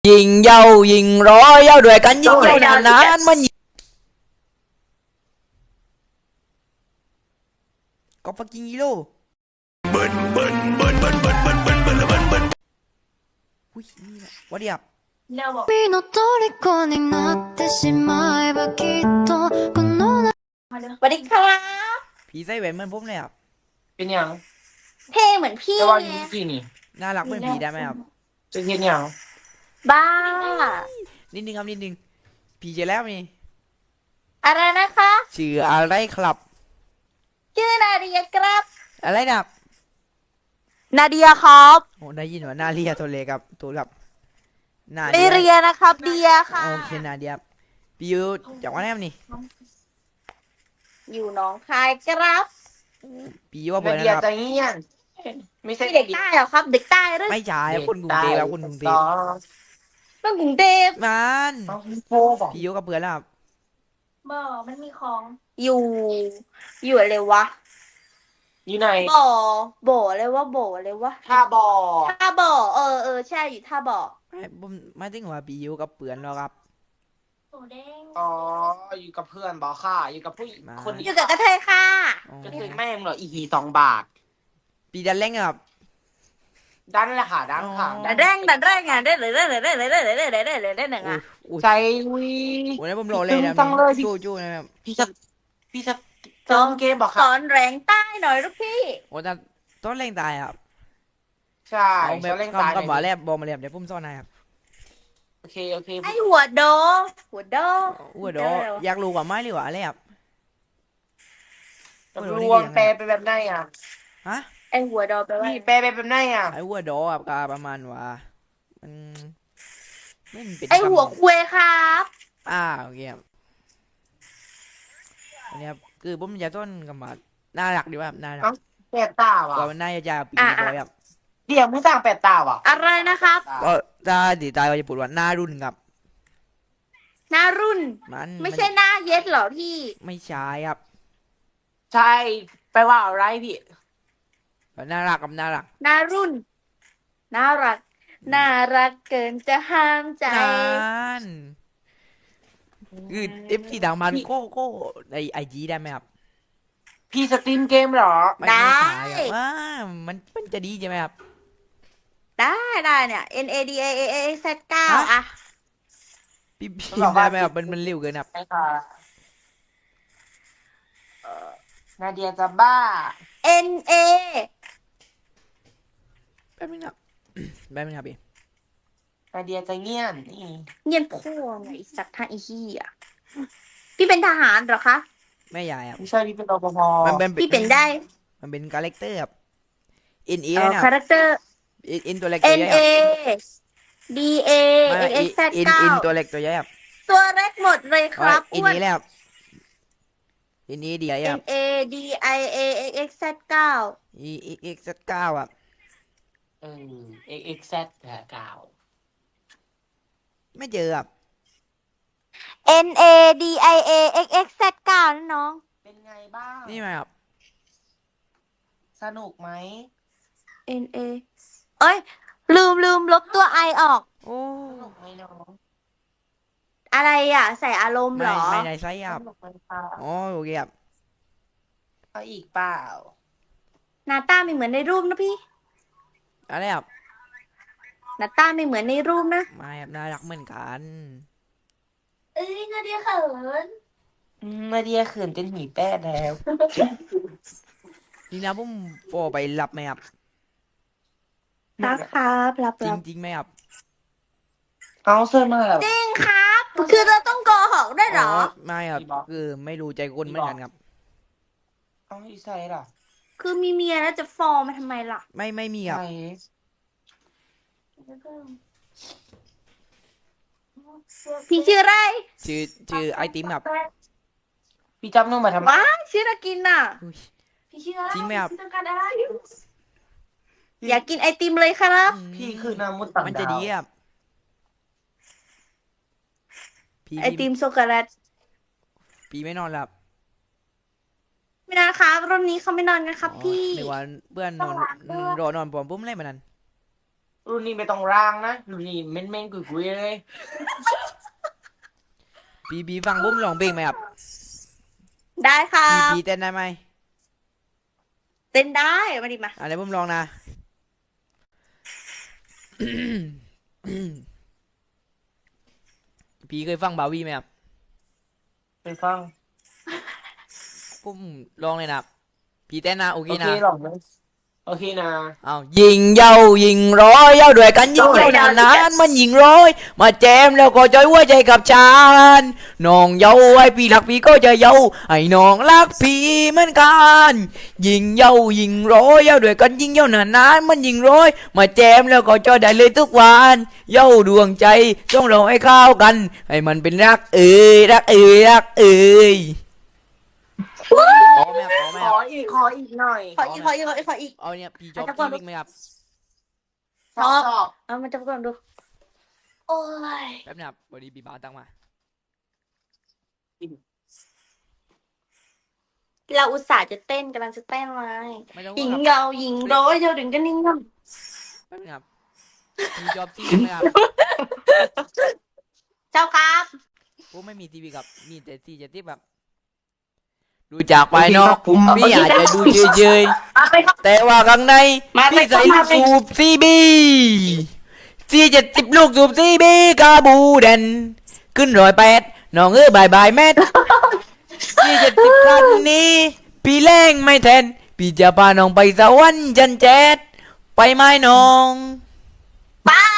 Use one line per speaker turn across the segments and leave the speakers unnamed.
ยิงเย้ายิงร้อยเย้าด้วยกันยิงเย้านานๆมันก็ฟักกิ้งฮีโร่อุ้ยนี่แหละวัดเดียบ
君の虜になってしまえばきっとこの
สวัสดีครับ
ผีใส่แหวนเหมือนผมเลยครับ
เป็นหยัง
เท่เหมือนพี่
แต่ว่าอ
ไง
ยู่ที่นี่
น่ารักเหมือนผีได้ไหมครับ
จะเฮ็ดหยัง
บ้า
นิดนึงครับนิดนึงผีเจอแล้วนี่
อะไรนะคะ
ชื่ออะไรครับ
ชื่อนาเดียครับ
อะไรนะครับ
นาเดียครับ
โอ้ได้ยินว่านาเรียตัวเล็กครับตัวครับนา
ไม่เรียนะครับเดียค่ะ
โอเคนาเดียพี่อยู่จากวันไหนครับนี่
อยู่หนองคายครับ
พี่อยู่ว่าเบอ
นา
ร์
เดีย
นะครับ
ใจเงียนไม่ใช่
พี่เด็กใต้เหรอครับ เด็กใต้หรือ
ไม่ใช่คนกรุงเทพครับคนกรุงเทพ
เรื่องกรุงเทพ
มัน
โฟบอก
พี่อยู่กับเพื่อนแล้วครับ
บ่มันมีของ อยู่อะไรวะ
อยู่ไหน
บ่อะไรวะบ่อะไรวะ
ท่าบ่อ
ท่าบ่อใช่อยู่ท่าบ่อ
ไม่ผมไม่ถึงว่าพี่อยู่กับเพื่อนแล้วครับ
โอ้แดง
อ๋ออยู่กับเพื่อนบอกค่ะอยู่กับผู้หญิง
มา
คนนี้
อยู่กับกระเทยค่ะ
อ๋อ
ก็คือแม่งเหรออีหี2 บาท
พี่ดันเล่งครับ
ดันแหละค่ะดันค่ะ
อ๋อ
ดันแรงอ่ะได้เลยหนึ่งอ่ะ
อุ้ย
ใจวิ
วันนี้ผมโหลเลยนะ
จังเลยพี่
จู่ๆนะครับ
พี่จะเติมเกมบอก
ส
ค่ะ
อนแรงใต้หน่อยลูกพี่
โอ้แต่ต้นเล่งตายครับ
ใช่
เอาแบบ
เขาเล่นตาย
คำว่าแลบบอกมาแลบเดี๋ยวผมซ่อนให้ครับ
โอเค
ไอหัวโด
อ้วดออยากรู้ว่าไม้หรือว่าอะไรครับ
รวมแปลไปแบบไหนอ่ะ
ฮะ
ไอหัวโดแปลว่า
พี่แปลไปแบบไหนอ่ะ
ไอ้อ้วดอครับก็ประมาณว่ามันไม่เป็น
ไอหัวคุยครับ
โอเคครับอันนี้ครับคือผมจะต้นกับมาน่ารักดีว่าน่ารัก
แปดตาว่ะ
กว่ามันน่าจะปีบอยครับ
เดี๋ยวมึงสั่งแปดตาว่ะ
อะไรนะครับ
ก็ถ้าดีตายก็จะพูดว่าหน้ารุ่นครับ
หน้ารุ่น
มัน
ไม่ใช่หน้าเย็ดเหรอพี่
ไม่ใช่ครับ
ใช่แปลว่าอะไรพี่
น่ารักกับน่ารัก
หน้ารุ่น น่ารัก น่ารักเกินจะห้ามใจ
นั่นคือเอฟซีดังมันก็ในไอจีได้ไหมครับ
พี่สตรีมเกมเหรอ
ไม่
ได้
ใช่ครับว่ามันจะดีใช่ไหมครับ
ได้เนี่ย N A D A A A Z 9
ฮะ
อ่ะ
พี่พิมพ์ได้ไหมครับมันเร็วเกินครับ
ใช่ค่ะนาเดียจะบ้า
N A
แป๊บนึงครับ แป๊บนึงครับพี่
นาเดียจะเงียนนี่
เงียนพ่อไงไอ้สัตว์ท่าอีขี้อ่ะพี่เป็นทหารเหรอคะ
ไม่ใหญ่ครับ
ไม่ใช่พี่เป็นรปภ
มันเป็น
พี่เป็นได้
มันเป็นคาแรคเตอร์ครับเอ็นเอ
คาแรคเตอร์
เอ็นตัวเล็กตัว
N
ใหญ่ค
A
รับ
D A
ไม่
X Z
เอ็น
9
ตัวเล็กตัวใหญ่ครับ
ตัวเล็กหมดเลยครับ
เอ็น
อ้วน
เอแล้วครับเอ็นเอดีใหญ่ครับ
N A D I A X X Z 9
เอ็กซ์เก้าครับ
XZ กล่าว
ไม่เจอครับ
N A D I A X X Z 9นะน้อง
เป็นไงบ้าง
นี่ไหมครับ
สนุกไหม
N A เอ้ย ลืมลบตัว I ออก
โอ้
สนุกไหมน้อง
อะไรอ่ะ ใส่อารมณ์เหรอ
ไม่ได้ใช่ครับ
สนุกไหมคะ
อ๋อโอเคครับ
เอาอีกเปล่า
หน้าตาไม่เหมือนในรูปนะพี่
อะไรครับ
หน้าตาไม่เหมือนในรูปนะ
ไม่ครับน่ารักเหมือนกัน
เอ้ยนาเดียเขิน
นาเดียเขินจนหีแป้แล้ว
นี่นะผมโฟไปรับไหมครับ
รับครับรับ
จริงไหมครับ
เอาเสื้อมาแล้ว
จริงครับ คือเราต้องโกหกได้วยเหรอ
ไม่ครับ
พี่บอก
คือไม่รู้ใจคนเหมือนกันครับ
เอาอีใส่ล่ะ
คือมีเมียแล้วจะฟอร์มมาทำไมล่ะ
ไม่มีครับ
ใส่
พี่ชื่ออะไร
ชื่อไอติมครับ
พี่จำนุ่มมาทำไม
ว้าชื่อน่ากินน่ะ
อุ๊ย
พี่ชื่ออะไร
จริงไหมครับ
พี่ต้องการอะไรอยากกินไอติมเลยครับ
พี่คือนามุดต่างดาว
มันจะดีครับพี่
ไอติมช็อกโกแลต
พี่ไม่นอนหลับ
ไม่นอนครับรุ่นนี้เขาไม่นอนกันครับ
อ๋อ
พี่
ในวันเพื่อนนอนรอนอนผมปุ้มเล่นมันนั้น
รุ่นนี้ไม่ต้องร่างนะรุ่นนี้เม้นเม้นกุยกุยเลย
ปีฟังบุ้มร้องเพลงไหมครับ
ได้ค่ะ
ปีเต้นได้ไหม
เต้นได้มาดิมา
อะไรบุ้มร้องนะ ปีเคยฟังบาวีไหมครับ
ไปฟัง
บุ้มร้องเลยนะครับปีเต้นนะโอเค
โอเค
นะ
หรอกนะโอเคนะ
เอายิงเย้ายิงร้อยเย้าด้วยกันยิงเย้านานๆมันยิงร้อยมาแจมแล้วก็จอยหัวใจกับฉันน้องเย้าไอ้พี่รักพี่ก็จะเย้าไอ้น้องรักพี่เหมือนกันยิงเย้ายิงร้อยเย้าด้วยกันยิงเย้านานๆมันยิงร้อยมาแจมแล้วก็จอยได้เลยทุกวันเย้าดวงใจต้องเราให้เข้ากันให้มันเป็นรักเอ้ยรักเอ้ยรักเอ้ยพอไหมครับพอไหม
ข
ค
อ
รับ
อีกขออีกหน่อย
ขออีกขออีกขออีก
เอาเนี่ยพี่จอบ
อาจจะก่อน
พี่บิ๊กไหมครับ
ชอบ
ชอบ
เอามันจะก่อนดูโอ้ย
แป๊บนะครับพอดีปีบ้าตั้งมา
เราอุตส่าห์จะเต้นกำลังจะเต้นไว้
ไม่ต้อง
หญิง
ครับ
เงาหญิงร้อยเดียวถึงกันนิ่งกัน
แป๊บนึงครับมีจอบซีไหมครับ
เจ้าครับ
ผมไม่มีทีวีครับมีแต่ซีจะที่แบบดูจากภายนอกพี่อาจจะดูเฉย
มาไปครับ
ๆแต่ว่าข้างใน
มา
พี่ใส่
ไป
ลูกสูบซีบี40ลูกสูบซีบีกาบูเดนขึ้น108น้องบายบายแม่40คันนี้ พี่แรงไม่แทนพี่จะพาน้องไปสวรรค์จันแจ๊ดไปไหมน้อง
ป้า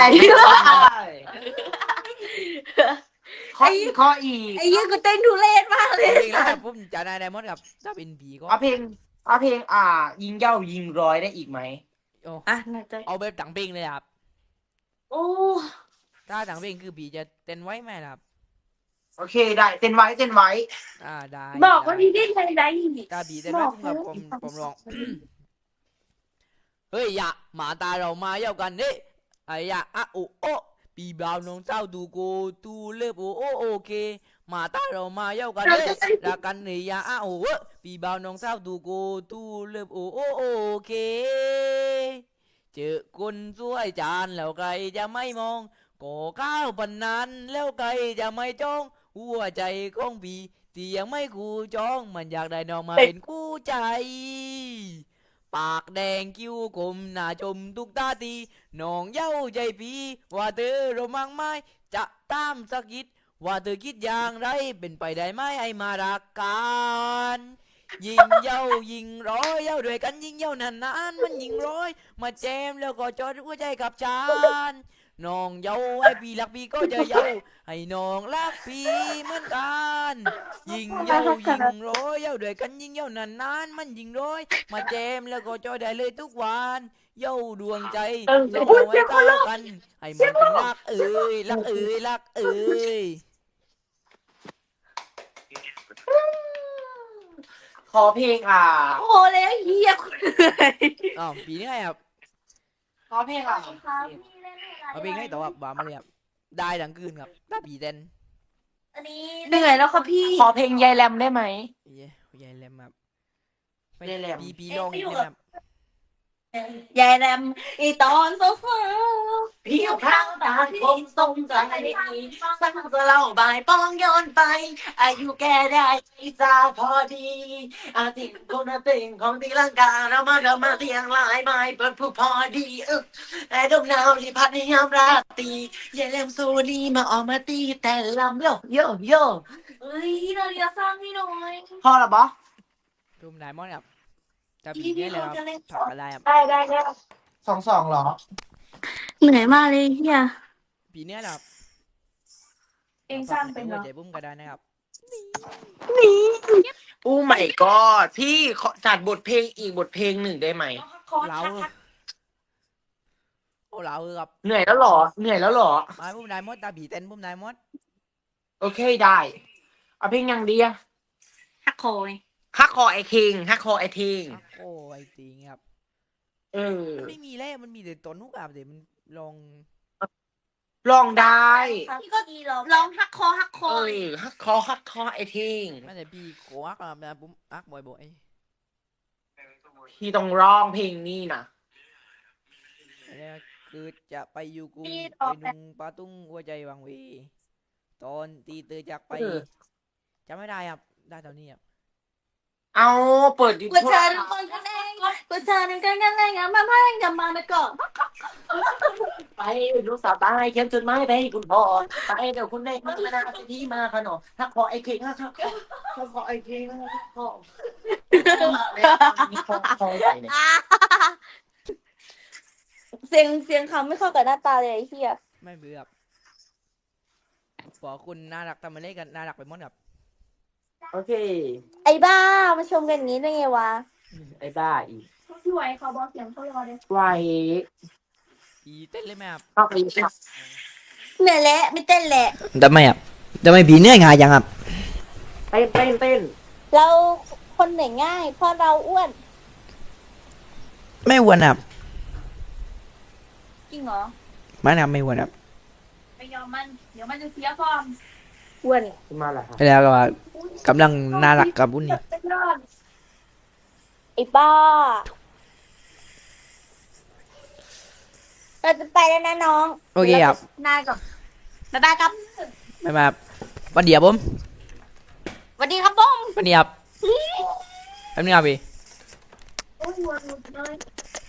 ขออีกขออีก
ไอ้ยี่กูเต้นทุเรศมากเลย
เพลงแล้วครับผมจะได้ไดมอนด์ครับถ้าเป็นผีก็
เอาเพลงยิงเย้ายิงร้อยได้อีกไหม
อ่ะน่าจะ
เอาแบบต่างเพลงเลยครับ
โอ้
ถ้าต่างเพลงคือผีจะเต้นไว้ไหมล่ะครับ
โอเคได้เต้นไว้เต้นไว้
ได้
บอกว่าที่ได้ไงได้
ถ้าผีเต้นไว้ผมกับผมร้อง เฮ้ยอย่าหมาตาเรามาเย่ากันเด้ไอ้ยะอะโอโอปีบ่าวน้องเจ้าดูโกตูเลิฟโอโอเคหมาตาเรามาเย่ากันเด้รักกันเฮ้ยยะอะโอเอปีบ่าวน้องเจ้าดูโกตูเลิฟโอโอเคเจอคนสวยจานแล้วใครจะไม่มองก่อข้าวปันนั้นแล้วใครจะไม่จ้องหัวใจของพี่ที่ยังไม่คู่จองมันอยากได้น้องมาเป็นคู่ใจ ปากแดงคิ้วกลมหน้าชมทุกตาตีน้องเย้าใจพี่ว่าเธอเรามั่งไม่จะตามสักคิดว่าเธอคิดอย่างไรเป็นไปได้ไหมไอ้มารักกันยิงเย้ายิงร้อยเย้าด้วยกันยิงเย้านานๆมันยิงร้อยมาแจมแล้วก็จอดหัวใจกับฉันน้องเย้าไอ้พี่รักพี่ก็จะเย้าให้น้องรักพี่เหมือนกันยิงเย้ายิงร้อยเย้าด้วยกันยิงเย้านานๆมันยิงร้อย มาแจมแล้วก็จอยได้เลยทุกวันเย้าดวงใจเราเอาไว้ก้าวกันให้มันเป็นรักเอ้ยรักเอ้ยรักเอ้ย
ขอเพลง
โอ้แล้วเฮียคุณเหนื่อย
อ้าวปีนี้ไงครับ
ขอเพลง
เอาเพลงให้ต่อครับบามาเลยครับได้ทั้งคืนครับถ้าปีเต้น
อันนี้เหนื่อยแล้วครับพี่
ขอเพลงยายแรมได้ไหม
เย้ยายแลมครับไม่
ยายแรม
ปีลองอีกนะครับ
ยายแรมอีตอนโซฟา
พี่เอาข้าวตาคมทรงใจสั่งจะเล่าบายป้องย้อนไป อายุแกได้จะพอดีอาทิตย์คนติ่งของตีลังกาเรามาเตียงหลายไม้เปิดผู้พอดีแต่ดมหนาวที่พัดในยามราตรียายแรมสูนีมาออกมาตีแต่ลำโยโยโย
เฮ้ยเราเรียกสร้างพี่หน่อย
พอหรอบอ
รูมไดมอนด์ครับถ้าปีนี้เลยครับผักอะไรครับ
ได้
2-2เหรอ
เหนื่อยมากเลยเฮีย
ปีนี้แหละครับ
เองสร้างเป็นเหรอ
ใจบุ้มก็ได้นะครับ
โอ้ my god พี่ขอจัดบทเพลงอีกบทเพลงหนึ่งได้ไหม
เราโอ้เราครับ
เหนื่อยแล้วเหรอ เหนื่อยแล้วเหรอ
มาบุ้มไดมอนด์ตาบีเต้นบุ้มไดมอนด์
โอเคได้ เอาเพลงยังดีอะ
ฮักคอย
ฮักคอไอคิงฮักคอไอทิง
โอ้ไอจริงครับ
เออ
มันไม่มีแล้วมันมีแต่ต้นนุกอาบเดี๋ยวมันลอง
ลองได้
พี่ก็ดีลองฮักคอฮักค
เอ
อย
อฮักคอไอทิง
ไม่แต่พี่โคอักอะนะบุ้มอักบ่อย
พี่ต้องร้องเพลงนี้นะ
ๆแล้วคือจะไปอยู่กู
พี่
ไป
ออก
นุงปาตุ้งหัวใจวังเวตอนตีเตยจากไปจำไม่ได้ครับได้ตอนนี้ครับ
เอาเปิดยู
กู
ทูบ
เธอทุกคนกันเองกูเธอทุกคนกันเองอะมาให้กันมาไปก่อน
ไปดูสบายเขียนจดหมายไปให้คุณพ่อไปเดี๋ยวคุณได้มานาสิที่มาขนมถ้าขอไอ้เค้กนะครับถ้าขอไอ้เค้กนะครับขอขอใหญ่เนี่ย
เสียงเขาไม่เข้ากับหน้าตาเลยไอ้เหี้ย
ไม่เบื่อครับบอกคุณน่ารักทำมาเล่นกันน่ารักไปหมดครับ
โอเค
ไอ้บ้ามาชมกันอย่างนี้ได้ไงวะ
ไอ้บ้าอีก
พี่ไหวเขาบอกเสียงเขารอเลย
ไว
อีเต้นเลยไหมครับ
เข้าไป
เหนื่อยแล้วไม่เต้นแหละ
ทำไมครับทำไมผีเหนื่อยง่ายจังครับ
เต้นเต้นเต้น
เราคนเหนื่อยง่าย เพราะเราอ้วน
ไม่อ้วนครับ
จริงเหรอ
ไม่นะครับไม่อ้วนครับ
ไม่ยอมมันเดี๋ยวมันจะเสียฟอร์มอ้วน
มาแล้วครับ
แล้วก็ว่ากำลังน่ารักกับบุญนี่
ไอ้บ้าเราจะไปแล้วนะน้อง
โอเคครับ
นายก่อนบ๊ายบายครับ
ไม่มาครับวันเดียวผม
สวัสดีครับผม
วันนี้ครับแป๊บนึงครับพี่